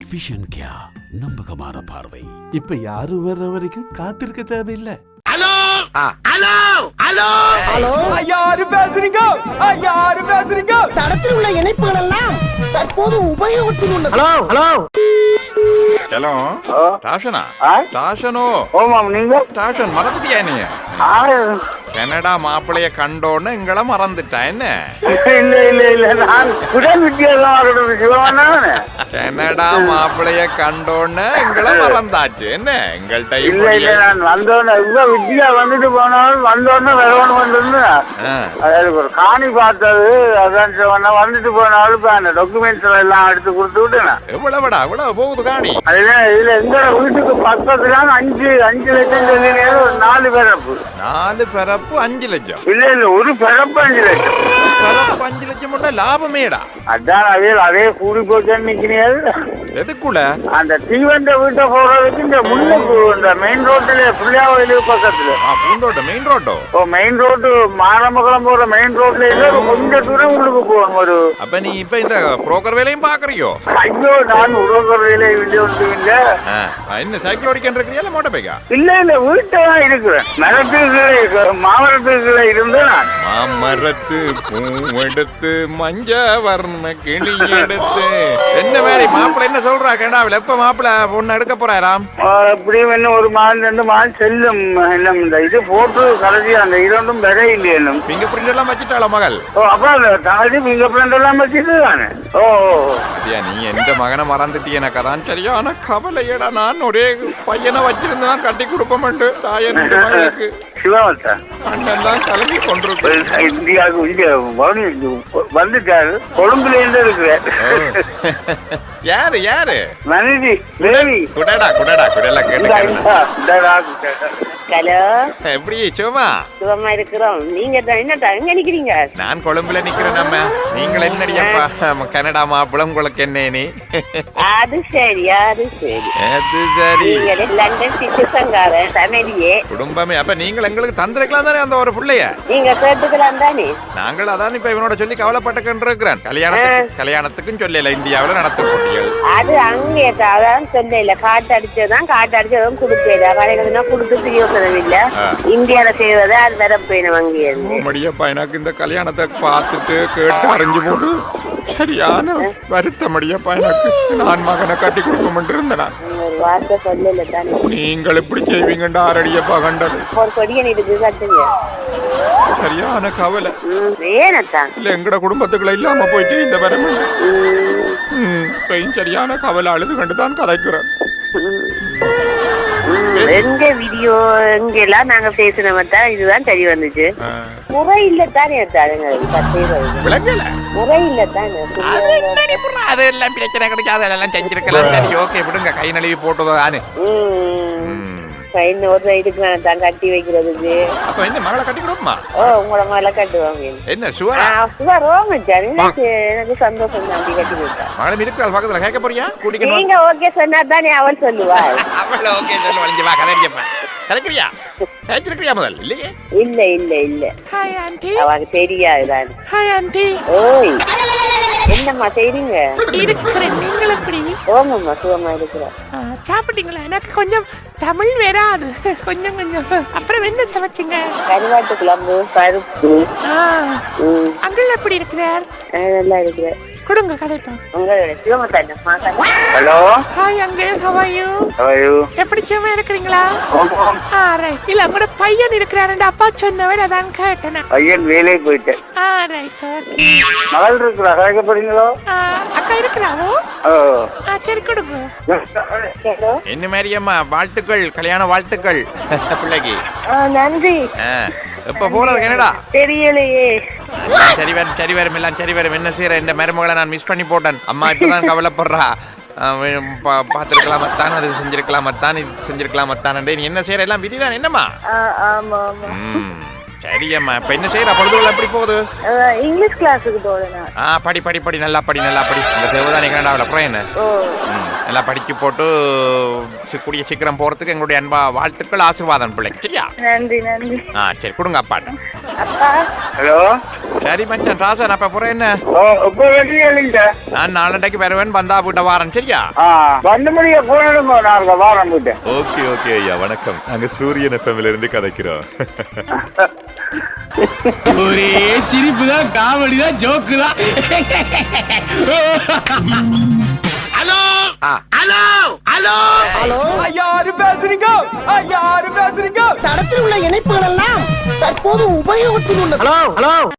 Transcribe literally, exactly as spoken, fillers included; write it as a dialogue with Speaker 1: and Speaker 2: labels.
Speaker 1: Vision கியா நம்பகமான பார்வை.
Speaker 2: இப்ப யாரும் வர்ற வரைக்கும் காத்திருக்க தேவையில்லை.
Speaker 3: ஹலோ ஹலோ ஹலோ
Speaker 4: ஹலோ
Speaker 5: யாரு பேசுறீங்க? யாரு பேசுறீங்க?
Speaker 4: தடத்தில் உள்ள இணைப்புகள் எல்லாம் தற்போது உபயோகத்தில் உள்ளது.
Speaker 3: ஹலோ ஹலோ
Speaker 6: ஹலோ டாஷனா டாஷனோ
Speaker 3: ஓமாம் நீங்க
Speaker 6: டாஷன் மறந்துட்டியா நீ கனடா மாப்பிளைய கண்டோன்னு எங்களை மறந்துட்டா என்ன?
Speaker 3: இல்ல இல்ல இல்ல நான் உடல் வித்தியாசம் சிவமான
Speaker 6: கனடா மாப்பிளைய கண்டோன்னு எங்களை மறந்தாச்சு என்ன? எங்கள்கிட்ட
Speaker 3: இல்ல இல்ல நான் வந்தோன்னு இவ்வளோ வித்தியா வந்துட்டு போனாலும் வந்தோன்னு வரவணும் வந்து அதாவது ஒரு காணி பார்த்தது அதான் சொன்ன வந்துட்டு போனாலும் இப்ப அந்த டாக்குமெண்ட்ஸ் எல்லாம் எடுத்து கொடுத்து விட்டுனா
Speaker 6: எவ்வளவுடா எவ்வளவு போகுது காணி?
Speaker 3: அதுதான் இதுல எங்க வீட்டுக்கு பக்கத்துல அஞ்சு அஞ்சு லட்சம் சொல்லி ஒரு நாலு பிறப்பு
Speaker 6: நாலு பிறப்பு அஞ்சு லட்சம்
Speaker 3: இல்ல இல்ல ஒரு பிறப்பு அஞ்சு லட்சம்
Speaker 6: பிறப்பு அஞ்சு லட்சம் மட்டும் லாபமேடா.
Speaker 3: அதான் அதே அதே கூடி போச்சேன்னு நிக்கிறீங்க.
Speaker 6: எதுக்குள்ள
Speaker 3: அந்த தீவண்ட வீட்டை போறதுக்கு இந்த முன்னுக்கு இந்த மெயின் ரோட்டுல புள்ளியாவயிலு பக்கத்துல
Speaker 6: பூந்தோட்டம் மெயின் ரோட்டோ?
Speaker 3: ஓ மெயின் ரோட்டு மாரமங்கலம் போற மெயின் ரோட்ல இல்ல கொஞ்ச தூரம் உள்ளுக்கு போகணும் ஒரு.
Speaker 6: அப்ப நீ இப்ப இந்த புரோக்கர் வேலையும் பாக்குறியோ?
Speaker 3: ஐயோ நான் உறவுற வேலை இல்ல ஒன்று இல்ல.
Speaker 6: என்ன சைக்கிள் ஓடிக்கிட்டு இருக்கிறியா இல்ல மோட்டர் பைக்கா?
Speaker 3: இல்ல இல்ல வீட்டை தான் இருக்கிறேன். மரத்துக்கு மாமரத்துக்குள்ள இருந்து நான்
Speaker 6: மாமரத்து பூவெடுத்து மஞ்ச வர்ண கிளி எடுத்து என்ன மாதிரி மாப்பிள்ள என்ன சொல்றா கனடாவில்? எப்ப மாப்பிள்ள பொண்ணு எடுக்க போறாராம்?
Speaker 3: அப்படியும் என்ன ஒரு மாதம் ரெண்டு மாதம் செல்லும். என்ன இந்த இது போட்டு கடைசி அந்த இரண்டும் விதை இல்லையா?
Speaker 6: பிங்கர் பிரிண்ட் எல்லாம் வச்சுட்டாளா மகள்?
Speaker 3: ஓ அப்ப கடைசி பிங்கர் பிரிண்ட் எல்லாம் வச்சுட்டு தானே. ஓ
Speaker 6: அப்படியா? நீ எந்த மகனை மறந்துட்டி எனக்கு அதான் சரியான கவலையடா. நான் ஒரே பையனை வச்சிருந்தா கட்டி கொடுப்போம்ட்டு தாயன் மகளுக்கு
Speaker 3: சிவாவத்தா
Speaker 6: அண்ணெல்லாம் கிளம்பி கொண்டிருக்கு.
Speaker 3: இந்தியாவுக்கு இந்தியா வந்துட்டாரு. கொழும்புல இருந்து இருக்கிறேன்.
Speaker 6: யாரு யாரு?
Speaker 3: மனைவி தேவி.
Speaker 6: குடடா குடடா குடல கேட்டு.
Speaker 7: ஹலோ,
Speaker 6: எப்படி சும்மா
Speaker 7: சுகமா இருக்கிறோம். நீங்க என்னட்டா எங்க நிக்கிறீங்க?
Speaker 6: நான் கொழும்புல நிக்கிறேன். நம்ம நீங்கள் என்னடியப்பா கனடா மாப்பிளம் உங்களுக்கு என்ன நீ?
Speaker 7: அது சரி அது சரி
Speaker 6: அது சரி.
Speaker 7: நீங்க லண்டன் சிட்டிசன்காரன் ஃபேமிலியே
Speaker 6: குடும்பமே. அப்ப நீங்கள் எங்களுக்கு தந்திருக்கலாம் தானே அந்த ஒரு பிள்ளைய?
Speaker 7: நீங்க கேட்டுக்கலாம் தானே.
Speaker 6: நாங்கள் அதான் இப்ப இவனோட சொல்லி கவலைப்பட்டுக்கிட்டு இருக்கிறேன். கல்யாணத்துக்கு கல்யாணத்துக்கும் சொல்லல இந்தியாவில நடத்த போட்டிகள்.
Speaker 7: அது அங்கே அதான் சொல்லல. காட்டு அடிச்சதான் காட்டு அடிச்சதும் கொடுக்கல. கடைகளுக்குன்னா கொடுத்து யோசனை இல்ல. இந்தியால செய்வது அது வர போயிடும் அங்கே.
Speaker 6: மடியப்பா எனக்கு இந்த கல்யாணத்தை பார்த்துட்டு கேட்டு அறிஞ்சு போட்டு சரியான வருத்தம் அடியப்பா எனக்கு. நான் மகனை கட்டி கொடுக்க இருந்தேன்.
Speaker 7: ஒரு வார்த்தை சொல்லல தானே.
Speaker 6: நீங்கள் எப்படி செய்வீங்கண்டா ஆரடியப்பா கண்டது.
Speaker 7: ஒரு கொடியன் இருக்கு கட்டுங்க.
Speaker 6: சரியான கவலை.
Speaker 7: ஏனத்தான்
Speaker 6: இல்ல எங்கட குடும்பத்துக்குள்ள இல்லாம போயிட்டு இந்த வரமே சரியான கவலை அழுது கண்டுதான் கதைக்கிறேன்.
Speaker 7: எங்க வீடியோ எங்கெல்லாம் நாங்க பேசினோம் தான் இதுதான் சரி வந்துச்சு. முறை இல்லத்தானே
Speaker 6: விளங்கல
Speaker 7: முறை இல்லத்தானே.
Speaker 6: அதெல்லாம் பிரச்சனை கிடைக்காது. அதெல்லாம் செஞ்சிருக்கலாம். சரி ஓகே விடுங்க. கை நழுவி போட்டதானு
Speaker 7: ஒரு இதுக்கு தான் கட்டி வைக்கிறதுக்கு.
Speaker 6: அப்ப என்ன மகளை கட்டி கொடுக்குமா?
Speaker 7: ஓ உங்களோட மகளை கட்டுவாங்க.
Speaker 6: என்ன சுவரா?
Speaker 7: சுவரோங்க எனக்கு சந்தோஷம் தான். கட்டி கொடுத்தா
Speaker 6: மகளும் இருக்கிறாள் பக்கத்துல. கேட்க போறியா? கூட்டிக்கணும்.
Speaker 7: நீங்க ஓகே சொன்னா தானே அவள் சொல்லுவா.
Speaker 6: அவள் ஓகே சொல்லு. வளைஞ்சு வா கதைப்பா. கதைக்கிறியா? கதைச்சிருக்கிறியா முதல்? இல்லையே.
Speaker 7: இல்ல இல்ல இல்ல.
Speaker 8: Hi aunty.
Speaker 7: அவளுக்கு தெரியாதுதான்.
Speaker 8: Hi aunty.
Speaker 7: ஓய் என்னம்மா செய்றீங்க?
Speaker 8: இருக்கிறேன். நீங்கள் எப்படி?
Speaker 7: ஓமம்மா சுகமா இருக்கிறோம்.
Speaker 8: சாப்பிட்டீங்களா? எனக்கு கொஞ்சம் தமிழ் வராது. கொஞ்சம் கொஞ்சம். அப்புறம் என்ன சமைச்சிங்க?
Speaker 7: கருவாட்டு குழம்பு பருப்பு.
Speaker 8: அங்கிள் எப்படி இருக்கிறார்?
Speaker 7: நல்லா இருக்கிறேன்.
Speaker 8: கொடுங்க கதைப்போம்.
Speaker 7: உங்களோட சிவமத்தாண்ட
Speaker 3: hello
Speaker 8: hi uncle. How are you?
Speaker 3: How are you?
Speaker 8: எப்படி சும்மா இருக்கிறீங்களா? ஆ ரைட். இல்ல உங்களோட பையன் இருக்கிறாரு அப்பா சொன்னவர் அதான் கேட்டேன்.
Speaker 3: பையன் வேலைக்கு போயிட்டேன்.
Speaker 8: ஆ ரைட் ஓகே.
Speaker 3: மகள் இருக்கிறா? கேட்க போறீங்களோ?
Speaker 8: அக்கா இருக்கிறாவோ?
Speaker 3: ஓ
Speaker 8: ஆ சரி கொடுங்க.
Speaker 7: ஹலோ
Speaker 6: என்ன மாதிரி அம்மா வாழ்த்துக்கள். கல்யாண வாழ்த்துக்கள் பிள்ளைக்கு.
Speaker 7: நன்றி.
Speaker 6: எப்ப போறது கனடா?
Speaker 7: தெரியலையே.
Speaker 6: சரி வரும் சரி வரும் எல்லாம் சரி வரும். என்ன செய்யற? இந்த மருமகளை நான் மிஸ் பண்ணி போட்டேன். அம்மா இப்பதான் கவலைப்படுறா. பார்த்துருக்கலாமத்தான், அது செஞ்சிருக்கலாமத்தான், இது செஞ்சிருக்கலாமத்தான். நீ என்ன செய்யற? எல்லாம் விதிதான் என்னம்மா? சரியம்மா. இப்ப என்ன செய்யற? பொழுதுகள் எப்படி போகுது?
Speaker 7: இங்கிலீஷ் கிளாஸுக்கு போறேன்.
Speaker 6: ஆ படி படி படி நல்லா படி நல்லா படி. இந்த தேவதானி கனடாவில் அப்புறம் என்ன நல்லா படிச்சு போட்டு கூடிய சீக்கிரம் போறதுக்கு எங்களுடைய அன்பா வாழ்த்துக்கள் ஆசீர்வாதம் பிள்ளை. சரியா?
Speaker 7: நன்றி நன்றி.
Speaker 6: ஆ சரி கொடுங்க அப்பாட்ட.
Speaker 7: அப்பா
Speaker 3: ஹலோ
Speaker 6: சரி மச்சான் ராசன் அப்ப புறம் என்ன
Speaker 3: ஓ இப்போ வெளியே இல்லைங்க
Speaker 6: நான் நாளண்டைக்கு வருவேன் பந்தா பூட்ட வாரன் சரியா
Speaker 3: ஆ வந்து முடிய போனதுங்க நாங்க வாரம் போட்டு
Speaker 9: ஓகே ஓகே ஐயா வணக்கம் நாங்க சூரியன் எஃப்எம்ல இருந்து கதைக்கிறோம்
Speaker 5: ஒரே சிரிப்பு தான் காமெடி தான் ஜோக்கு தான் யாரு பேசுறீங்க யாரு பேசுறீங்க
Speaker 4: தடத்தில் உள்ள இணைப்புகள் எல்லாம் தற்போது உபயோகத்தில் உள்ளது